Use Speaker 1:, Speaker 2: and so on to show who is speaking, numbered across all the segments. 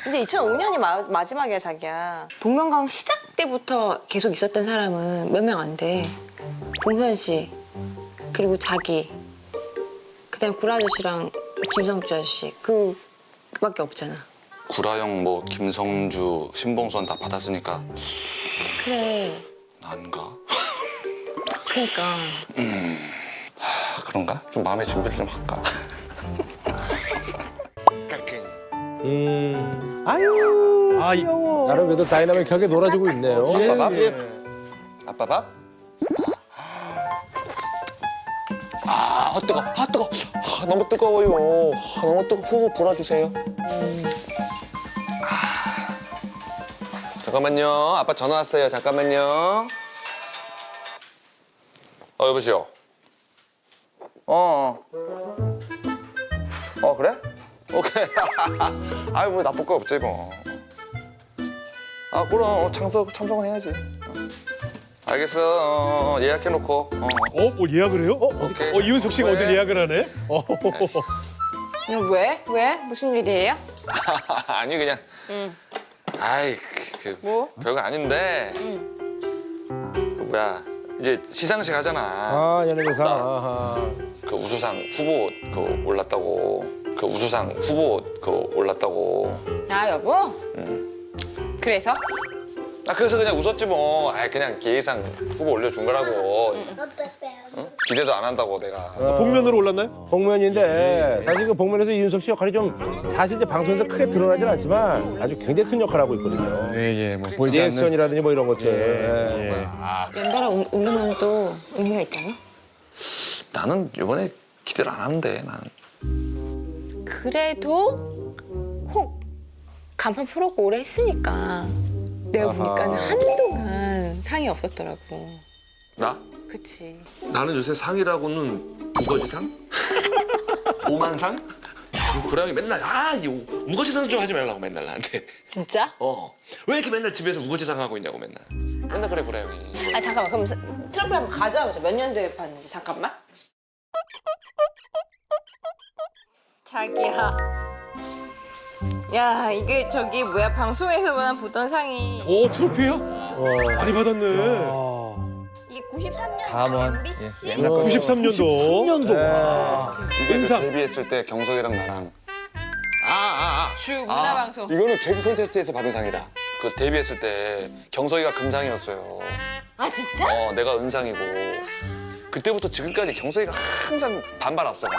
Speaker 1: 이제 2005년이 마지막이야, 자기야. 복면가왕 시작 때부터 계속 있었던 사람은 몇 명 안 돼. 봉선 씨, 그리고 자기, 그다음에 구라 아저씨랑 김성주 아저씨, 그밖에 없잖아.
Speaker 2: 구라형 뭐 김성주, 신봉선 다 받았으니까
Speaker 1: 그래.
Speaker 2: 난가?
Speaker 1: 그러니까.
Speaker 2: 그런가? 좀 마음의 준비를 좀 할까?
Speaker 3: 아유.
Speaker 4: 아,
Speaker 3: 귀여워.
Speaker 4: 나름 그래도 다이나믹하게 놀아주고 있네요.
Speaker 2: 아빠 밥?
Speaker 3: 예.
Speaker 2: 아빠 밥? 뜨거. 뜨거. 너무 뜨거워요. 너무 뜨거. 후 불어주세요. 잠깐만요. 아빠 전화 왔어요. 잠깐만요. 여보세요. 그래? 오케이. 아유, 뭐 나쁠 거 없지 뭐. 그럼 참석은 해야지. 알겠어. 예약해놓고.
Speaker 4: 뭐 예약을 해요?
Speaker 2: 오케이.
Speaker 4: 이윤석 씨가
Speaker 2: 왜?
Speaker 4: 어디 예약을 하네?
Speaker 1: 왜? 무슨 일이에요?
Speaker 2: 아니 그냥. 아이
Speaker 1: 뭐?
Speaker 2: 별거 아닌데. 그 뭐야 이제 시상식 하잖아.
Speaker 4: 아, 연예대상.
Speaker 2: 나-
Speaker 4: 아하.
Speaker 2: 그 우수상 후보 올랐다고. 그 우수상 후보 올랐다고.
Speaker 1: 아, 여보? 그래서?
Speaker 2: 그래서 그냥 웃었지 뭐. 그냥 예의상 후보 올려준 거라고. 응? 기대도 안 한다고 내가.
Speaker 4: 복면으로 올랐나요?
Speaker 3: 복면인데 사실 그 복면에서 이윤석 씨 역할이 좀 사실 이제 방송에서 크게 드러나진 않지만 아주 굉장히 큰 역할을 하고 있거든요.
Speaker 4: 예, 뭐 보이지 않는.
Speaker 3: 리액션이라든지 뭐 이런 것들. 예.
Speaker 1: 연달아 오르면 또 의미가 있잖아?
Speaker 2: 나는 이번에 기대를 안 하는데 나는.
Speaker 1: 그래도 혹 간판 프로가 오래 했으니까 내가 보니까는 한동안 상이 없었더라고.
Speaker 2: 나?
Speaker 1: 그치.
Speaker 2: 나는 요새 상이라고는 우거지상? 오만상? 구라형이 맨날 이 우거지상 좀 하지 말라고 맨날 나한테.
Speaker 1: 진짜?
Speaker 2: 왜 이렇게 맨날 집에서 우거지상 하고 있냐고 맨날 그래 구라형이.
Speaker 1: 아 잠깐만, 그럼 트럼프 한번 가져와보자. 몇 년도에 봤는지 잠깐만. 자기야. 야, 이게 저기 뭐야, 방송에서만 보던 상이
Speaker 4: 오, 트로피야? 많이 받았네.
Speaker 1: 이게 93년
Speaker 5: 다음은,
Speaker 1: MBC?
Speaker 5: 예, 옛날
Speaker 4: 93년도.
Speaker 5: 10년도.
Speaker 2: 이게 그
Speaker 4: 은상.
Speaker 2: 데뷔했을 때 경석이랑 나랑
Speaker 1: 주 문화방송.
Speaker 2: 이거는 데뷔 콘테스트에서 받은 상이다. 그 데뷔했을 때 경석이가 금상이었어요.
Speaker 1: 아 진짜?
Speaker 2: 내가 은상이고 그때부터 지금까지 경석이가 항상 반발 앞서가.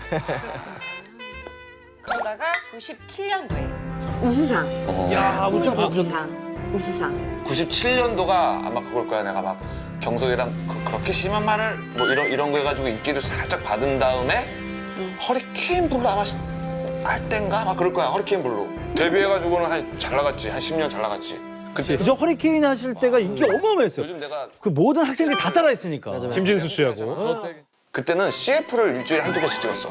Speaker 1: 그러다가 97년도에 우수상.
Speaker 4: 야, 우승
Speaker 1: 코미디상. 우수상.
Speaker 2: 97년도가 아마 그걸 거야. 내가 막 경석이랑 그렇게 심한 말을 뭐 이런 거 해가지고 인기를 살짝 받은 다음에 허리케인 블루 아마 알 땐가 막 그럴 거야. 허리케인 블루 데뷔해가지고는 잘 나갔지. 한 10년 잘 나갔지. 그때
Speaker 5: 그저 허리케인 하실 때가 인기 어마어마했어요.
Speaker 2: 요즘 내가
Speaker 5: 그 모든 학생들이 다 따라했으니까.
Speaker 4: 김진수 씨하고.
Speaker 2: 그때는 CF를 일주일에 한두 번씩 찍었어.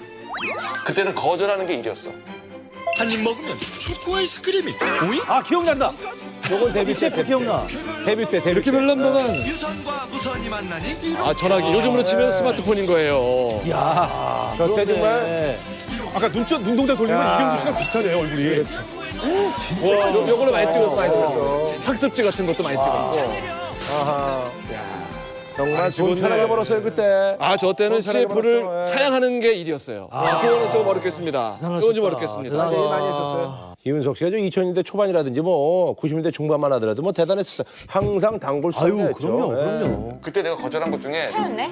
Speaker 2: 그때는 거절하는 게 일이었어.
Speaker 6: 한 입 먹으면 초코 아이스크림이 오잉?
Speaker 5: 아 기억난다.
Speaker 3: 요건 데뷔 때,
Speaker 5: 셰프 기억나.
Speaker 3: 데뷔 때.
Speaker 4: 이렇게 별난 동안.
Speaker 6: 유선과 무선이 만나니?
Speaker 4: 전화기. 요즘으로 치면 스마트폰인 거예요.
Speaker 5: 야.
Speaker 3: 저때 정말
Speaker 5: 네.
Speaker 4: 아까 눈동자 돌리면
Speaker 3: 야.
Speaker 4: 이경규 씨랑 비슷하네, 얼굴이.
Speaker 5: 진짜.
Speaker 4: 와, 요걸로 많이 찍었어.
Speaker 3: 많이 찍었어.
Speaker 4: 학습지 같은 것도 많이 찍었고.
Speaker 3: 아하. 정말 돈
Speaker 4: 죽었네.
Speaker 3: 편하게 벌었어요 그때.
Speaker 4: 저 때는
Speaker 3: 돈 편하게
Speaker 4: CF를
Speaker 3: 벌었어. 예.
Speaker 4: 사양하는 게 일이었어요. 그거는 좀 어렵겠습니다. 그건 좀 어렵겠습니다.
Speaker 3: 많이 했었어요. 이윤석 씨가 좀 2000년대 초반이라든지 뭐 90년대 중반만 하더라도 뭐 대단했었어요. 항상 단골
Speaker 5: 아유
Speaker 3: 스타였죠.
Speaker 5: 그럼요
Speaker 3: 예.
Speaker 5: 그럼요.
Speaker 2: 그때 내가 거절한 것 중에
Speaker 1: 차였네?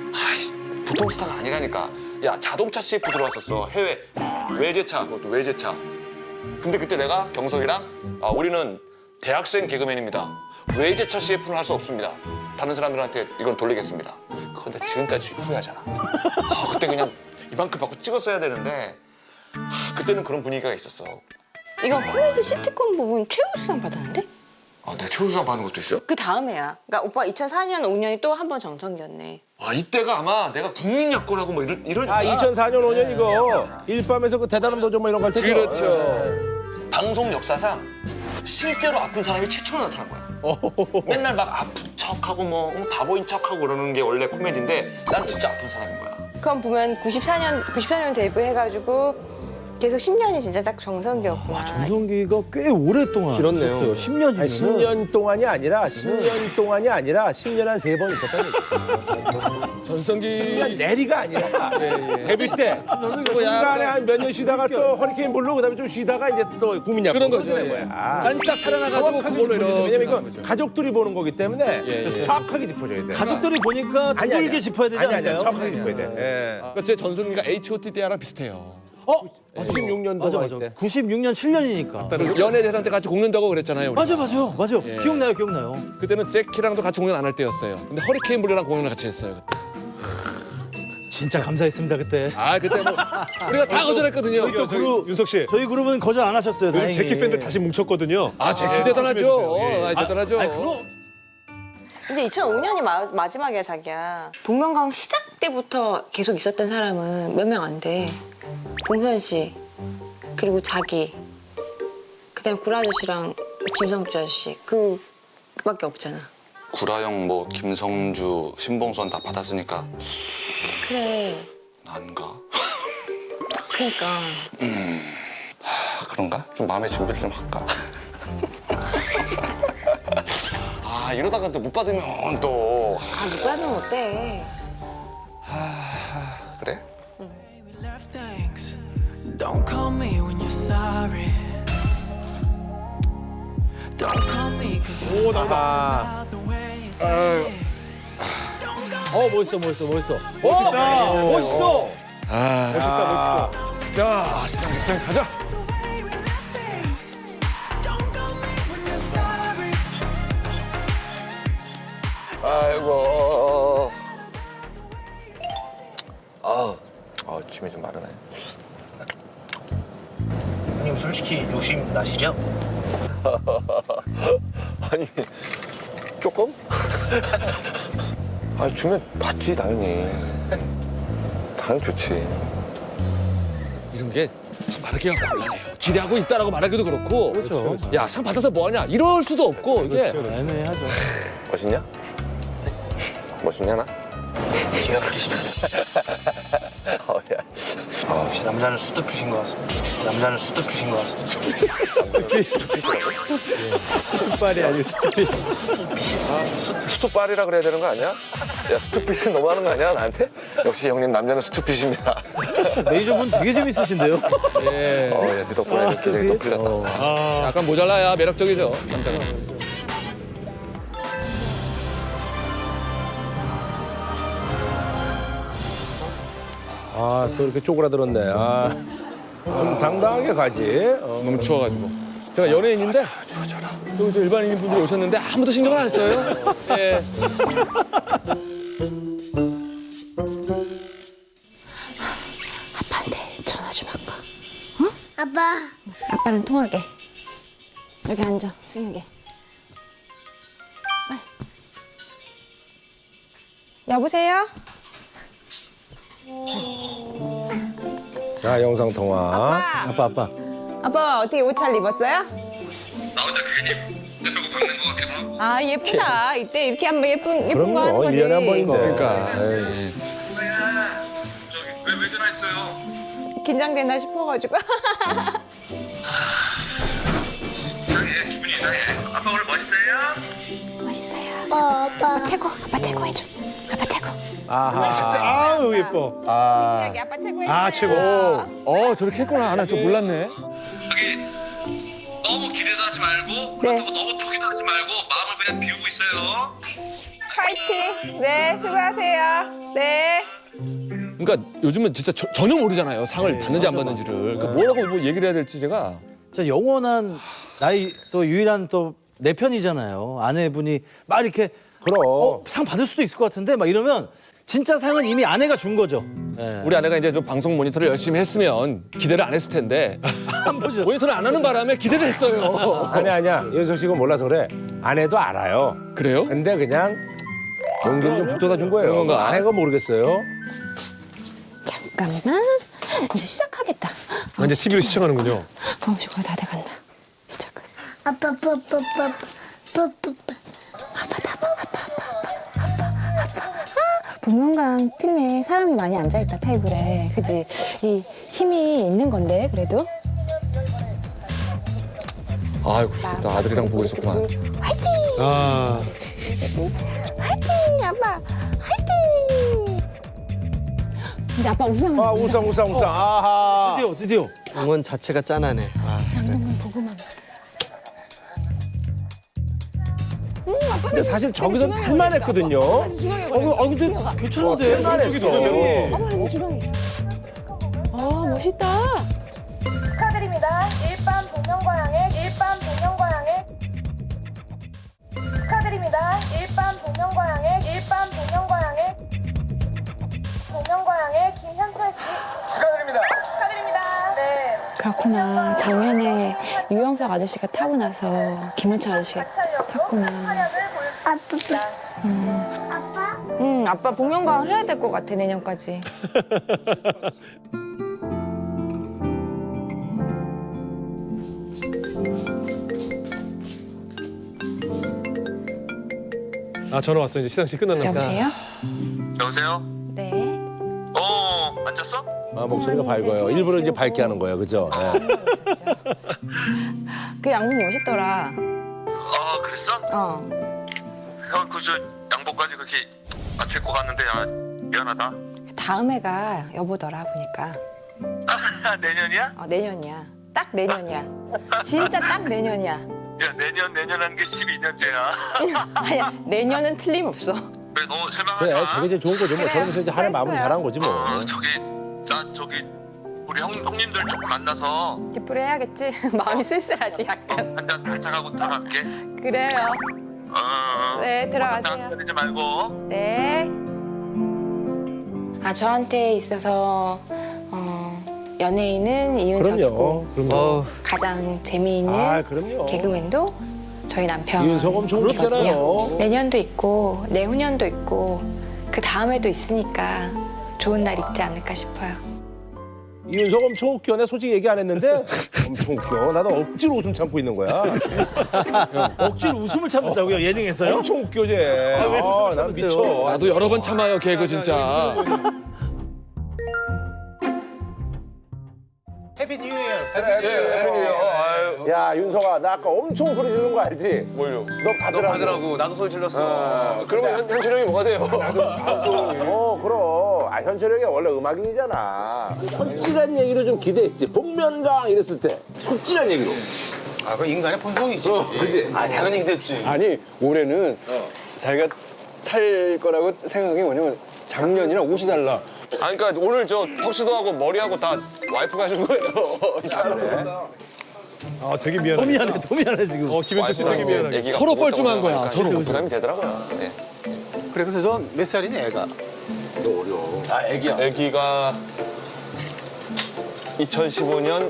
Speaker 2: 보통 스타가 아니라니까. 야, 자동차 CF 들어왔었어. 해외 외제차. 그것도 외제차. 근데 그때 내가 경석이랑 우리는 대학생 개그맨입니다. 외제차 CF는 할 수 없습니다. 다른 사람들한테 이건 돌리겠습니다. 그건 나 지금까지 후회하잖아. 그때 그냥 이만큼 받고 찍었어야 되는데 그때는 그런 분위기가 있었어.
Speaker 1: 이건 코미디 시트콤 부분 최우수상 받았는데?
Speaker 2: 내가 최우수상 받은 것도 있어?
Speaker 1: 그 다음 해야. 그러니까 오빠 2004년, 5년이 또 한 번 정성기였네.
Speaker 2: 이때가 아마 내가 국민여권하고 뭐 이럴
Speaker 3: 2004년 5년 이거 일밤에서 그 대단한 도전 뭐 이런 거 할 때죠.
Speaker 4: 그렇죠.
Speaker 2: 방송 역사상 실제로 아픈 사람이 최초로 나타난 거야. 맨날 막 아픈 척하고 뭐 바보인 척하고 그러는 게 원래 코미디인데 난 진짜 아픈 사람인 거야.
Speaker 1: 그럼 보면 94년 데뷔해가지고 계속 10년이 진짜 딱 정석이었구나.
Speaker 5: 전성기가 꽤 오랫동안
Speaker 3: 길었네요.
Speaker 5: 있었어요. 10년이면.
Speaker 3: 아니, 10년 동안이 아니라 10년 동안이 아니라 10년 한 3번 있었다는 얘기.
Speaker 4: 전성기
Speaker 3: 10년 내리가 아니라 데뷔 때
Speaker 4: 뭐
Speaker 3: 중간에 한 몇 년 쉬다가 또 허리케인 불로 그다음에 좀 쉬다가 이제 또 국민약
Speaker 4: 그런 거죠.
Speaker 3: 되는
Speaker 4: 예.
Speaker 3: 거야.
Speaker 4: 반짝 살아나가지고
Speaker 3: 정확하게
Speaker 4: 그걸로
Speaker 3: 짚어줘야 돼.
Speaker 4: 이렇게
Speaker 3: 왜냐면
Speaker 4: 가는
Speaker 3: 이건
Speaker 4: 거죠.
Speaker 3: 가족들이 보는 거기 때문에
Speaker 4: 예.
Speaker 3: 정확하게 짚어줘야 돼.
Speaker 5: 가족들이 보니까 두들게 짚어야 되지
Speaker 3: 아니
Speaker 5: 않나요?
Speaker 3: 정확하게 짚어야 돼. 예.
Speaker 4: 그러니까 제 전성기가 H.O.T 때랑 비슷해요.
Speaker 3: 96년도
Speaker 5: 맞아. 96년 7년이니까.
Speaker 4: 연예 대상 때 같이 공연하고 그랬잖아요. 우리가.
Speaker 5: 맞아요.
Speaker 4: 예.
Speaker 5: 기억나요.
Speaker 4: 그때는 잭키랑도 같이 공연 안 할 때였어요. 근데 허리케인 블루랑 공연을 같이 했어요. 그때.
Speaker 5: 진짜 감사했습니다 그때.
Speaker 4: 아 그때 뭐 우리가 다 거절했거든요.
Speaker 5: 또 그룹
Speaker 7: 윤석 씨.
Speaker 5: 저희 그룹은 거절 안 하셨어요.
Speaker 7: 요즘
Speaker 5: 다행히.
Speaker 7: 제키 팬들 다시 뭉쳤거든요.
Speaker 4: 아 잭키 대단하죠.
Speaker 7: 예.
Speaker 4: 아, 대단하죠.
Speaker 1: 이제 2005년이 마지막이야, 자기야. 복면가왕 시작 때부터 계속 있었던 사람은 몇 명 안 돼. 봉선 씨, 그리고 자기, 그다음에 구라 아저씨랑 김성주 아저씨, 그밖에 없잖아.
Speaker 2: 구라영 뭐 김성주 신봉선 다 받았으니까
Speaker 1: 그래,
Speaker 2: 난가?
Speaker 1: 그러니까.
Speaker 2: 그런가? 좀 마음의 준비를 좀 할까? 아 이러다가 또 못 받으면 또
Speaker 1: 못 받으면 어때?
Speaker 2: 그래?
Speaker 8: left things. Don't call me when you're sorry. Don't call me cause you
Speaker 3: 오 나온다.
Speaker 8: love the way you say it.
Speaker 5: 멋있어. 멋있어.
Speaker 7: 멋있다. 자, 시장 가자.
Speaker 2: 아이고. 침이 좀 마르네.
Speaker 9: 형님 솔직히 욕심 나시죠?
Speaker 2: 아니 조금? 아 주면 받지 당연히. 당연히 좋지.
Speaker 4: 이런 게 참 말하기가 곤란해요. 기대하고 있다라고 말하기도 그렇고.
Speaker 5: 그렇죠.
Speaker 4: 야 상 받아서 뭐하냐 이럴 수도 없고 이게
Speaker 5: 애매하죠.
Speaker 2: 멋있냐? 멋있냐 나?
Speaker 9: 기가 막히십니다. 역시 남자는 수두피신 것 같습니다. 남자는 수두피신 것 같습니다.
Speaker 3: 수빨이 아니고 수빨이.
Speaker 2: 스투빨이라 그래야 되는 거 아니야? 야 스투핏은 너무하는 거 아니야 나한테? 역시 형님 남자는 스투핏입니다.
Speaker 5: 메이저분 되게 재밌으신데요.
Speaker 4: 예.
Speaker 2: 네 덕분에 기대가 또 풀렸다.
Speaker 4: 약간 모자라야 매력적이죠 남자가.
Speaker 3: 아 또 이렇게 쪼그라들었네. 아. 좀 당당하게 가지.
Speaker 4: 너무 추워가지고. 제가 연예인인데 또 이제 일반인 분들이 오셨는데 아무도 신경을 안 써요. 예.
Speaker 1: 아빠한테 전화 좀 할까?
Speaker 10: 아빠.
Speaker 1: 아빠랑 통화하게. 여기 앉아, 승혁이. 빨리. 여보세요?
Speaker 3: 자 영상 통화.
Speaker 5: 아빠.
Speaker 1: 아빠 어떻게 옷 잘 입었어요?
Speaker 2: 나 혼자 괜히 내 빼고 박는 것 같기도 하고.
Speaker 1: 아 예쁘다. 이때 이렇게 한번 예쁜 거 하는
Speaker 3: 그럼요.
Speaker 1: 거지.
Speaker 3: 1년에 한 번인데.
Speaker 4: 그러니까.
Speaker 3: 에이.
Speaker 2: 왜 전화했어요?
Speaker 1: 긴장된다 싶어가지고.
Speaker 2: 이상해 기분이 이상해. 아빠 오늘 멋있어요?
Speaker 1: 멋있어요.
Speaker 10: 아빠.
Speaker 1: 최고. 아빠 최고 해줘. 아빠 최고.
Speaker 3: 아하.
Speaker 7: 아우 예뻐.
Speaker 1: 여기 아빠 최고 해줘.
Speaker 7: 아, 최고.
Speaker 4: 저렇게 했구나. 나 좀 몰랐네.
Speaker 2: 여기 너무 기대도 하지 말고 그렇다고 너무 포기도 하지 말고 마음을 그냥 비우고 있어요.
Speaker 1: 파이팅. 네 수고하세요. 네.
Speaker 4: 그러니까 요즘은 진짜 전혀 모르잖아요. 상을 받는지 안 받는지를. 그러니까 뭐라고 뭐 얘기를 해야 될지 제가.
Speaker 5: 자 영원한 나의 또 유일한 또 내 편이잖아요. 아내분이 막 이렇게
Speaker 3: 그럼.
Speaker 5: 상 받을 수도 있을 것 같은데 막 이러면 진짜 상은 이미 아내가 준 거죠. 예.
Speaker 4: 우리 아내가 이제 좀 방송 모니터를 열심히 했으면 기대를 안 했을 텐데
Speaker 5: 안 보죠.
Speaker 4: 모니터를 안 하는 바람에 기대를 했어요.
Speaker 3: 아니야. 윤석 씨가 몰라서 그래. 아내도 알아요.
Speaker 4: 그래요?
Speaker 3: 근데 그냥 용기를 좀 붙여다 준 거예요.
Speaker 4: 그런 건가?
Speaker 3: 아내가 모르겠어요.
Speaker 1: 잠깐만. 이제 시작하겠다.
Speaker 7: 이제 TV로 시청하는군요.
Speaker 1: 범씨 거의 다 돼간다. 시작은.
Speaker 10: 아빠.
Speaker 1: 복면가왕 팀에 사람이 많이 앉아있다 테이블에. 그지? 이 힘 힘이 있는 건데 그래도.
Speaker 4: 아이고, 나 아들이랑 보고 있었구만.
Speaker 1: 화이팅!
Speaker 7: 아,
Speaker 1: 화이팅! 아빠 화이팅! 이제 아빠 우승.
Speaker 3: 아 우상. 아하.
Speaker 5: 드디어.
Speaker 9: 응원 자체가 짠하네.
Speaker 1: 장동건 보고만.
Speaker 3: 근데 사실 저기서 탈만했거든요.
Speaker 5: 근데 괜찮은데.
Speaker 3: 탈만했어.
Speaker 1: 아 멋있다.
Speaker 10: 축하드립니다. 일반 복면가왕의 축하드립니다. 일반 복면가왕의 김현철 씨 축하드립니다. 네.
Speaker 1: 그렇구나. 작년에 유영석 아저씨가 타고 나서 김현철 아저씨가 탔구나.
Speaker 10: 아빠?
Speaker 1: 아빠 복면가왕 해야 될 것 같아 내년까지.
Speaker 7: 아 전화 왔어. 이제 시상식 끝났나 보다.
Speaker 1: 여보세요?
Speaker 2: 여보세요?
Speaker 1: 네.
Speaker 2: 앉았어?
Speaker 3: 아, 목소리가 밝아요. 일부러 이제 밝게 하는 거예요, 그죠? 예.
Speaker 1: 그 양복 멋있더라.
Speaker 2: 아, 그랬어?
Speaker 1: 어.
Speaker 2: 형, 저 양복까지 그렇게 맞춰 입고 갔는데 미안하다.
Speaker 1: 다음 해가 여보더라 보니까.
Speaker 2: 내년이야?
Speaker 1: 내년이야. 딱 내년이야. 진짜 딱 내년이야.
Speaker 2: 야, 내년 하는 게 12년째야.
Speaker 1: 아니야 내년은 틀림없어.
Speaker 2: 그래, 너무 실망하지
Speaker 3: 그래,
Speaker 2: 마.
Speaker 3: 저게 이제 좋은 거죠. 뭐 저러면서 이제 하나 마무리 잘한 거지 뭐.
Speaker 2: 저기 우리 형님들 조금 만나서
Speaker 1: 뒷부리 해야겠지. 마음이 쓸쓸하지 약간.
Speaker 2: 한잔 살짝 하고 들어갈게.
Speaker 1: 그래요. 네 들어가세요.
Speaker 2: 떨리지 말고.
Speaker 1: 네. 저한테 있어서 연예인은 이윤석이고
Speaker 3: 그럼요.
Speaker 1: 가장 재미있는
Speaker 3: 아, 그럼요.
Speaker 1: 개그맨도 저희 남편.
Speaker 3: 이윤석 엄청 웃잖아요.
Speaker 1: 내년도 있고 내후년도 있고 그 다음에도 있으니까 좋은 날 있지 않을까 싶어요.
Speaker 3: 이윤석 엄청 웃겨. 내가 솔직히 얘기 안 했는데 엄청 웃겨. 나도 억지로 웃음 참고 있는 거야.
Speaker 5: 억지로 웃음을 참는다고요, 예능에서요?
Speaker 3: 엄청 웃겨, 쟤.
Speaker 5: 왜 웃음을
Speaker 3: 난
Speaker 5: 참으세요?
Speaker 3: 미쳐.
Speaker 4: 나도 여러 번 참아요, 개그 진짜.
Speaker 3: 야, 윤석아, 나 아까 엄청 소리 지르는 거 알지?
Speaker 2: 뭘요?
Speaker 3: 너 받으라고.
Speaker 2: 나도 소리 질렀어. 그러면 현철 형이 뭐가 돼요?
Speaker 3: 그럼. 현철이 형이 원래 음악인이잖아. 솔직한 얘기로 좀 기대했지. 복면가왕 이랬을 때. 솔직한 얘기로.
Speaker 9: 아, 그 인간의 본성이지.
Speaker 3: 그지?
Speaker 9: 아, 당연히 기대했지.
Speaker 11: 아니 올해는 자기가 탈 거라고 생각한 게 뭐냐면 작년이랑 옷이 달라.
Speaker 2: 그러니까 오늘 저 턱시도하고 머리하고 다 와이프가 해준 거예요.
Speaker 7: 아 되게 미안해.
Speaker 5: 더 미안해 지금.
Speaker 7: 김현철 씨 되게 미안해.
Speaker 2: 애기가
Speaker 4: 서로
Speaker 2: 무겁다고
Speaker 4: 뻘쭘한 거야,
Speaker 2: 생각하니까
Speaker 4: 서로.
Speaker 2: 좀 부담이 되더라고요. 네.
Speaker 9: 그래, 그래서 전 몇 살이니, 애가?
Speaker 2: 아, 애기가 2015년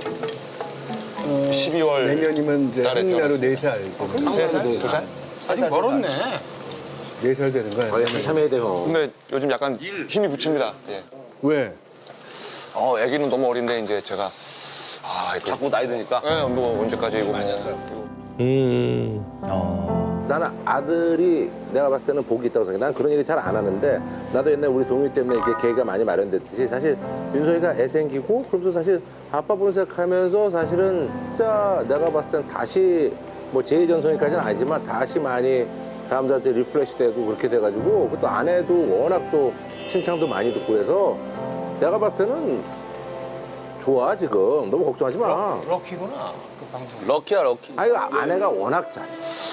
Speaker 2: 12월
Speaker 11: 내년이면 이제
Speaker 2: 딸에
Speaker 11: 생일나로
Speaker 2: 태어났어요.
Speaker 11: 4살.
Speaker 2: 3살? 2살?
Speaker 9: 아직 멀었네.
Speaker 11: 4살 되는 거야.
Speaker 3: 한참 해야 돼, 형.
Speaker 2: 근데 요즘 약간 힘이 붙입니다. 예.
Speaker 11: 왜?
Speaker 2: 애기는 너무 어린데 이제 제가 자꾸 나이 드니까 뭐 언제까지 이거
Speaker 3: 나는 아들이 내가 봤을 때는 복이 있다고 생각해. 난 그런 얘기 잘 안 하는데 나도 옛날에 우리 동희 때문에 이렇게 계기가 많이 마련됐듯이 사실 윤석이가 애 생기고 그러면서 사실 아빠 보는 생각하면서 사실은 진짜 내가 봤을 땐 다시 뭐 제2전성기까지는 아니지만 다시 많이 사람들한테 리프레시 되고 그렇게 돼가지고 또 아내도 워낙 또 칭찬도 많이 듣고 해서 내가 봤을 때는 좋아 지금. 너무 걱정하지 마.
Speaker 9: 럭키구나, 그 방송.
Speaker 2: 럭키야 럭키.
Speaker 3: 아니 아내가 워낙 잘해.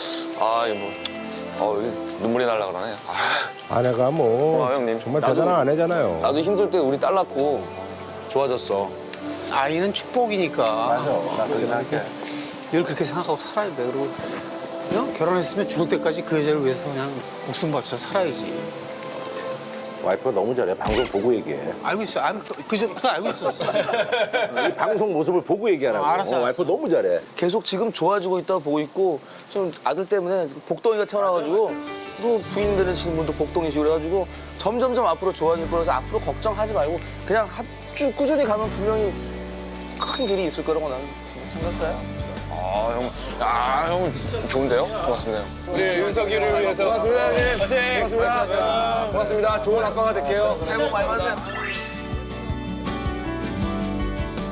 Speaker 2: 이거 눈물이 날라 그러네.
Speaker 3: 아내가 뭐
Speaker 2: 형님.
Speaker 3: 정말 대단한 아내잖아요.
Speaker 2: 나도 힘들 때 우리 딸 낳고 좋아졌어.
Speaker 9: 아이는 축복이니까.
Speaker 3: 맞아. 나 그렇게 생각해.
Speaker 9: 늘 그렇게 생각하고 살아야 돼. 그리고 그냥 결혼했으면 죽을 때까지 그 여자를 위해서 그냥 목숨 바쳐 살아야지.
Speaker 3: 와이프가 너무 잘해. 방송 보고 얘기해.
Speaker 9: 알고 있어. 그 전부터 알고 있었어.
Speaker 3: 이 방송 모습을 보고 얘기하라고.
Speaker 9: 알았어.
Speaker 3: 와이프 너무 잘해.
Speaker 11: 계속 지금 좋아지고 있다고 보고 있고 좀 아들 때문에 복덩이가 태어나가지고 또 부인 되시는 분도 복덩이시고 그래가지고 점점점 앞으로 좋아질 거라서 앞으로 걱정하지 말고 그냥 쭉 꾸준히 가면 분명히 큰 길이 있을 거라고 나는 생각해요.
Speaker 2: 형 좋은데요? 고맙습니다. 형.
Speaker 11: 우리 윤석이를 위해서
Speaker 2: 고맙습니다, 형님. 고맙습니다. 고맙습니다. 좋은 아빠가 될게요.
Speaker 9: 새해 복 많이 받으세요.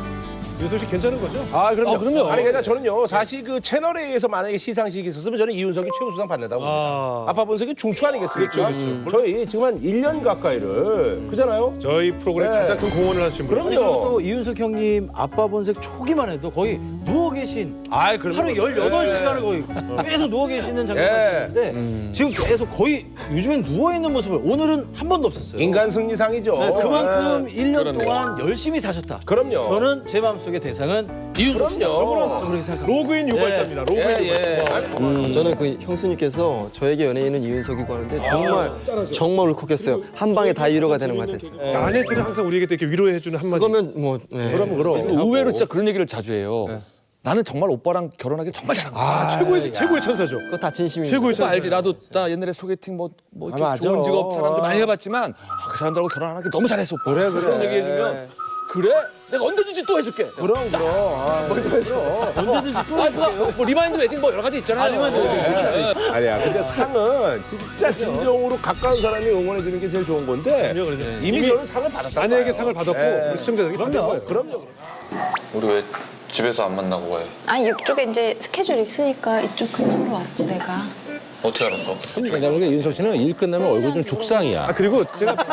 Speaker 7: 윤석 씨 괜찮은 거죠?
Speaker 3: 아, 그럼요.
Speaker 4: 그럼요.
Speaker 3: 아니, 그러니까 저는요, 사실 그 채널에 의해서 만약에 시상식이 있었으면 저는 이윤석이 최우수상 받는다고 봅니다. 아빠 본색이 중추 아니겠습니까? 저희 지금 한 1년 가까이를, 그잖아요?
Speaker 7: 저희 프로그램에
Speaker 3: 네.
Speaker 7: 가장 큰 공헌을 하신 분.
Speaker 5: 그리고 또 이윤석 형님 아빠 본색 초기만 해도 거의 누워 계신
Speaker 3: 아이, 그럼요.
Speaker 5: 하루 18시간을 거의 계속 누워 계시는 장면이
Speaker 3: 예.
Speaker 5: 있었는데 지금 계속 거의 요즘엔 누워 있는 모습을 오늘은 한 번도 없었어요.
Speaker 3: 인간 승리상이죠.
Speaker 5: 네, 그만큼
Speaker 3: 예.
Speaker 5: 1년
Speaker 4: 그렇네요.
Speaker 5: 동안 열심히 사셨다.
Speaker 3: 그럼요.
Speaker 5: 저는 제 마음속의 대상은 이윤석 씨다.
Speaker 3: 그럼요.
Speaker 5: 저는 그렇게 생각합니다.
Speaker 7: 로그인 유발자입니다. 로그인 유발자.
Speaker 12: 저는 그 형수님께서 저에게 연예인은 이윤석이고 하는데 정말 울컥했어요. 한 방에 다 위로가 되는 것 같았어요.
Speaker 7: 아내들은 항상 우리에게 또 이렇게 위로해주는 한마디.
Speaker 12: 그러면 뭐 네.
Speaker 3: 그럼.
Speaker 4: 의외로 진짜 그런 얘기를 자주 해요. 나는 정말 오빠랑 결혼하기 정말 잘한 거야.
Speaker 7: 아, 최고의 천사죠.
Speaker 12: 그거 다 진심입니다.
Speaker 7: 최고의
Speaker 4: 오빠
Speaker 7: 천사.
Speaker 4: 알지? 나도 나 옛날에 소개팅 뭐 이렇게
Speaker 3: 맞아.
Speaker 4: 좋은 직업 사람들 많이 해봤지만 그 사람들하고 결혼하기 너무 잘했어. 오빠.
Speaker 3: 그래.
Speaker 4: 그런 얘기해주면 그래? 내가 언제든지 또 해줄게.
Speaker 3: 그럼. 아,
Speaker 5: 언제든지 또 해줄게요.
Speaker 4: 뭐 리마인드 웨딩 뭐 여러 가지 있잖아요.
Speaker 5: 리마인드 웨딩.
Speaker 3: 아니야. 근데 상은 진짜 진정으로 가까운 사람이 응원해 주는 게 제일 좋은 건데 이미 저는 상을 받았다.
Speaker 7: 아내에게 상을 받았고
Speaker 3: 네.
Speaker 7: 우리 시청자들에게 받은 거예요.
Speaker 3: 그럼요.
Speaker 2: 우리 왜 집에서 안 만나고 왜?
Speaker 1: 아 이쪽에 이제 스케줄 있으니까 이쪽 근처로 왔지 내가.
Speaker 2: 어떻게 알았어?
Speaker 3: 왜냐면 윤석 씨는 일 끝나면 얼굴 좀 죽상이야.
Speaker 7: 아, 그리고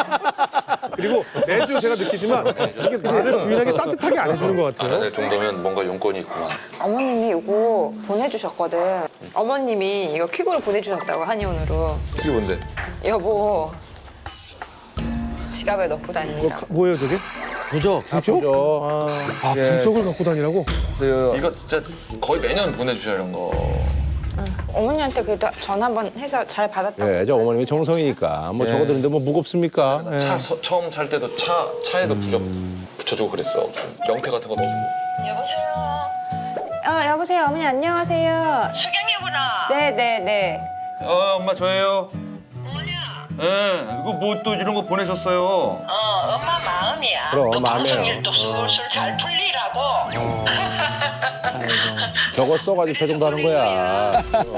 Speaker 7: 매주 제가 느끼지만 이게 말을 부인하게 따뜻하게 안 해주는 것
Speaker 2: 안
Speaker 7: 같아요.
Speaker 2: 할 정도면 뭔가 용건이 있구만.
Speaker 1: 어머님이 이거 보내주셨거든. 어머님이 이거 퀵으로 보내주셨다고 한의원으로.
Speaker 2: 이게 뭔데?
Speaker 1: 여보 지갑에 넣고 다니라고.
Speaker 7: 뭐예요, 저게?
Speaker 5: 부적.
Speaker 3: 그죠?
Speaker 7: 아, 부적을 갖고 다니라고?
Speaker 2: 이거 진짜 거의 매년 보내주셔 이런 거.
Speaker 1: 어머니한테 그래도 전화 한번 해서 잘 받았다고.
Speaker 3: 예, 저 어머님이 정성이니까 뭐 저거 드는데 뭐 무겁습니까? 예.
Speaker 2: 처음 살 때도 차에도 부적 붙여주고 그랬어. 명태 같은 거 넣어주고.
Speaker 10: 여보세요.
Speaker 1: 여보세요 어머니 안녕하세요.
Speaker 10: 수경이구나.
Speaker 1: 네네네.
Speaker 2: 엄마 저예요.
Speaker 10: 뭐냐?
Speaker 2: 예, 이거 뭐 또 이런 거 보내셨어요.
Speaker 10: 엄마 마음이야.
Speaker 3: 그럼,
Speaker 10: 너
Speaker 3: 마음이에요.
Speaker 10: 방송일도 술술 잘 풀리라고.
Speaker 3: 저거 써가지고 저 정도 하는 거야.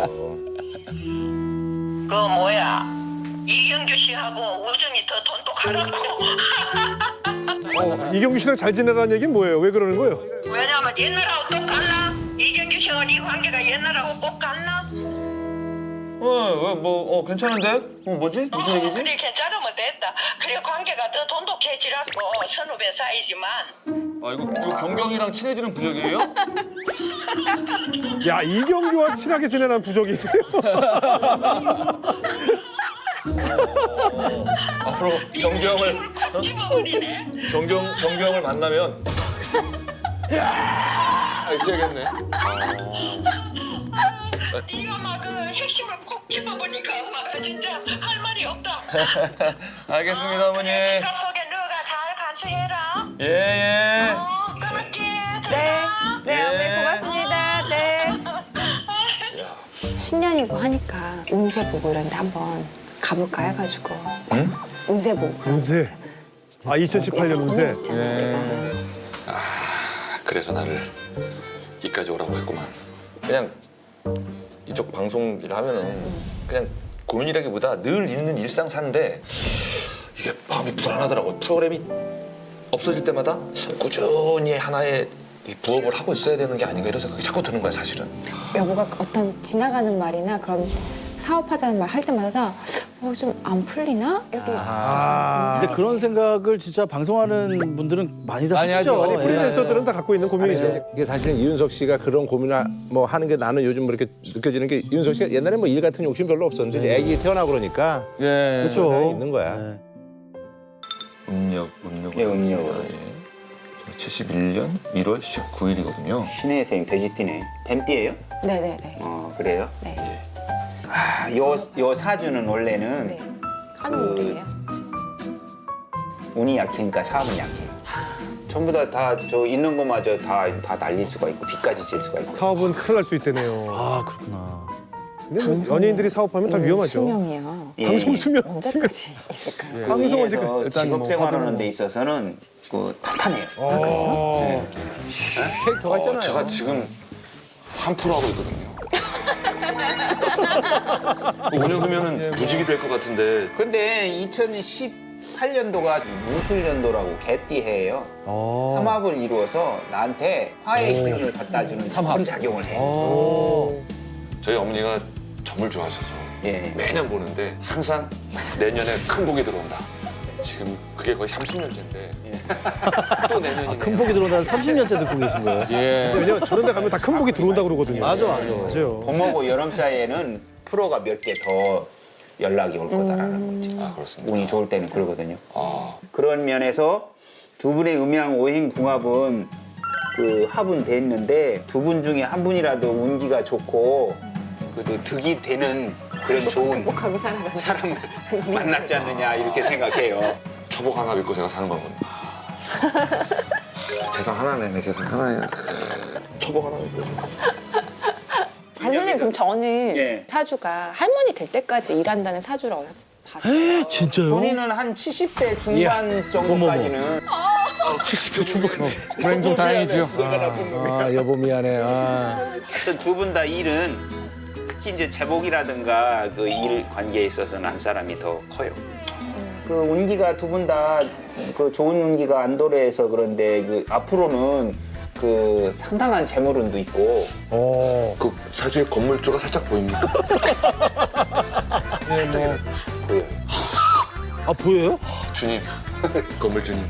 Speaker 10: 그 뭐야? 이경규 씨하고 우정이 더 돈독하라고.
Speaker 7: 이경규 씨랑 잘 지내라는 얘기는 뭐예요? 왜 그러는 거예요?
Speaker 10: 왜냐면 옛날하고 똑같나? 이경규 씨와 네 관계가 옛날하고 똑같나?
Speaker 2: 뭐 괜찮은데? 뭐지? 무슨 얘기지?
Speaker 10: 그래 괜찮으면 됐다. 그래 관계가 더 돈독해지라고 선후배 사이지만.
Speaker 2: 아 이거 경경이랑 친해지는 부적이에요?
Speaker 7: 야, 이경규와 친하게 지내는 부적이 있네요.
Speaker 2: 앞으로 경경을 경경을 만나면 이렇게 해야겠네.
Speaker 10: 네가 막 그 핵심을 콕 집어보니까 엄마가 진짜 할 말이 없다.
Speaker 2: 알겠습니다 어머니.
Speaker 10: 지갑 속에 너가 잘 간수해라.
Speaker 2: 예.
Speaker 10: 끊을게.
Speaker 1: 네. 네
Speaker 2: 예.
Speaker 1: 어머니 고맙습니다. 네. 신년이고 하니까 운세 보고 이런데 한번 가볼까 해가지고.
Speaker 2: 응?
Speaker 1: 운세 보고.
Speaker 7: 운세. 아, 2018년 운세.
Speaker 1: 있잖아 우리가.
Speaker 2: 그래서 나를 이까지 오라고 했구만. 그냥 이쪽 방송 일 하면은 그냥 고민이라기보다 늘 있는 일상 사는데 이게 마음이 불안하더라고. 프로그램이 없어질 때마다 꾸준히 하나의 이 부업을 하고 있어야 되는 게 아닌가 이런 생각이 자꾸 드는 거야 사실은.
Speaker 1: 여보가 어떤 지나가는 말이나 그런 사업하자는 말 할 때마다 좀 안 풀리나? 이렇게
Speaker 5: 근데 그런 생각을 진짜 방송하는 분들은 많이들 하시죠.
Speaker 7: 아니,
Speaker 5: 예.
Speaker 7: 프리랜서들은 다 갖고 있는 고민이죠.
Speaker 3: 이게 사실은 이윤석 씨가 그런 고민을 뭐 하는 게 나는 요즘 뭐 이렇게 느껴지는 게 이윤석 씨가 옛날에 뭐 일 같은 욕심 별로 없었는데 이제 애기 태어나고 그러니까
Speaker 4: 예.
Speaker 3: 그렇죠. 있는 거야.
Speaker 2: 음력.
Speaker 11: 예, 음력으로.
Speaker 2: 71년 1월 19일이거든요.
Speaker 11: 신의 생 돼지띠네. 뱀띠예요?
Speaker 1: 네네네.
Speaker 11: 그래요?
Speaker 1: 네.
Speaker 11: 요 사주는 원래는
Speaker 1: 네. 하는 일이에요.
Speaker 11: 운이 약해니까 사업은 약해요. 전부 다 저 있는 것마저 다 날릴 수가 있고 빚까지 질 수가 있고.
Speaker 7: 사업은 큰일 날 수 있다네요.
Speaker 5: 아 그렇구나.
Speaker 7: 근데 뭐 연예인들이 사업하면 다 위험하죠.
Speaker 1: 수명이요.
Speaker 7: 방송 수명.
Speaker 1: 언제까지 있을까요?
Speaker 7: 방송 언제
Speaker 11: 그래서
Speaker 7: 일단
Speaker 11: 직업
Speaker 7: 뭐
Speaker 11: 생활하는 데 있어서는 그 탄탄해요.
Speaker 3: 캐릭터가 있잖아요.
Speaker 2: 제가 지금 1% 하고 있거든요. 5년 후면은 무직이 될 것 같은데.
Speaker 11: 근데 2010
Speaker 13: 8년도가 무술년도라고 개띠해예요. 삼합을 이루어서 나한테 화해의 기운을 갖다 주는 좋은 작용을 해.
Speaker 2: 저희 어머니가 점을 좋아하셔서
Speaker 13: 예.
Speaker 2: 매년 보는데 항상 내년에 큰 복이 들어온다. 지금 그게 거의 30년째인데 또 내년이네요.
Speaker 5: 큰 복이 들어온다는 30년째 듣고 계신 거예요?
Speaker 4: 예.
Speaker 7: 왜냐면 저런 데 가면 다 큰 복이 들어온다고 그러거든요.
Speaker 5: 맞아.
Speaker 7: 맞아요.
Speaker 13: 봄하고 여름 사이에는 프로가 몇 개 더 연락이 올 거다라는 거죠.
Speaker 2: 아, 그렇습니다.
Speaker 13: 운이 좋을 때는 그러거든요.
Speaker 2: 아,
Speaker 13: 그런 면에서 두 분의 음양 오행 궁합은 그 합은 됐는데 두 분 중에 한 분이라도 운기가 좋고 그래도 득이 되는 그런 좋은
Speaker 1: 행복하게 살아가는
Speaker 13: 사람을 만났지 않느냐 이렇게 생각해요.
Speaker 2: 초복 하나 믿고 제가 사는 거군요. 재산 하나네, 내 재산 하나야. 초복 하나 믿고.
Speaker 1: 선생님 그럼 저는
Speaker 13: 예.
Speaker 1: 사주가 할머니 될 때까지 일한다는 사주라고 봤어요.
Speaker 5: 진짜요?
Speaker 13: 본인은 한 70대 중반 정도까지는
Speaker 7: 70대 중반.
Speaker 4: 불행 다행이죠.
Speaker 13: 내가 나쁜 놈이야.
Speaker 3: 아 여보 미안해. 아.
Speaker 13: 하여튼 두 분 다 일은 특히 이제 제복이라든가 그 일 관계에 있어서는 한 사람이 더 커요. 그 운기가 두 분 다 그 좋은 운기가 안 도래해서 그런데 그 앞으로는 그 상당한 재물운도 있고
Speaker 2: 그 사주에 건물주가 살짝 보입니다. 살짝이라도.
Speaker 13: 보여요.
Speaker 5: 아 보여요?
Speaker 2: 주님, 건물주님.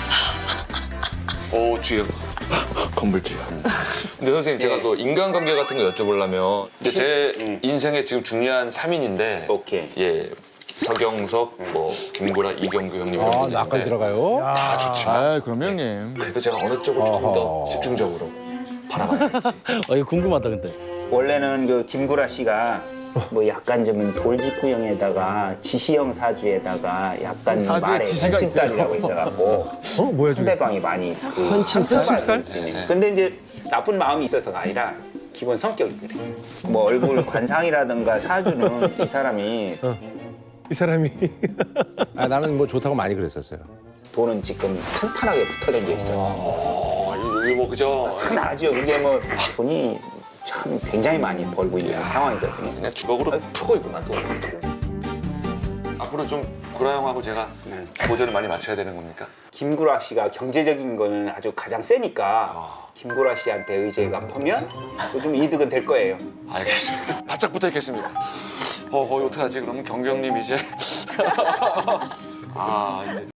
Speaker 2: 오, 주여. 건물주여. 근데 선생님, 제가 그 인간관계 같은 거 여쭤보려면 이제 제 인생에 지금 중요한 3인인데
Speaker 13: 오케이.
Speaker 2: 예, 서경석, 뭐 김구라, 이경규 형님 이런
Speaker 3: 아
Speaker 2: 분이
Speaker 3: 나까지
Speaker 2: 있는데
Speaker 3: 들어가요?
Speaker 2: 다 좋지만
Speaker 4: 아, 그럼 형님.
Speaker 2: 그래도 제가 어느 쪽을 조금 더 집중적으로 바라봐야지.
Speaker 5: 이거 궁금하다 근데.
Speaker 13: 원래는 그 김구라 씨가 뭐 약간 좀 돌직구형에다가 지시형 사주에다가 약간
Speaker 4: 사주에
Speaker 13: 말에
Speaker 4: 지시가
Speaker 13: 현침살이라고 있어갖고
Speaker 7: 뭐야 저게?
Speaker 13: 상대방이 많이 현침살? 근데 이제 나쁜 마음이 있어서가 아니라 기본 성격이 그래. 뭐 얼굴 관상이라든가 사주는 이 사람이
Speaker 7: 이 사람이
Speaker 3: 아 나는 뭐 좋다고 많이 그랬었어요.
Speaker 13: 돈은 지금 탄탄하게 붙어다니고 있어.
Speaker 2: 이게 뭐 그죠?
Speaker 13: 상당하죠. 이게 뭐 돈이 참 굉장히 많이 벌고 있는 상황이거든요.
Speaker 2: 그냥 주걱으로 푸고 있구나 또. 앞으로 좀 구라 형하고 제가 보조를 많이 맞춰야 되는 겁니까?
Speaker 13: 김구라 씨가 경제적인 거는 아주 가장 세니까 김구라 씨한테 의제가 퍼면 좀 이득은 될 거예요.
Speaker 2: 알겠습니다. 바짝 붙어 있겠습니다. 어떡하지? 그러면 경경님 이제 아 이제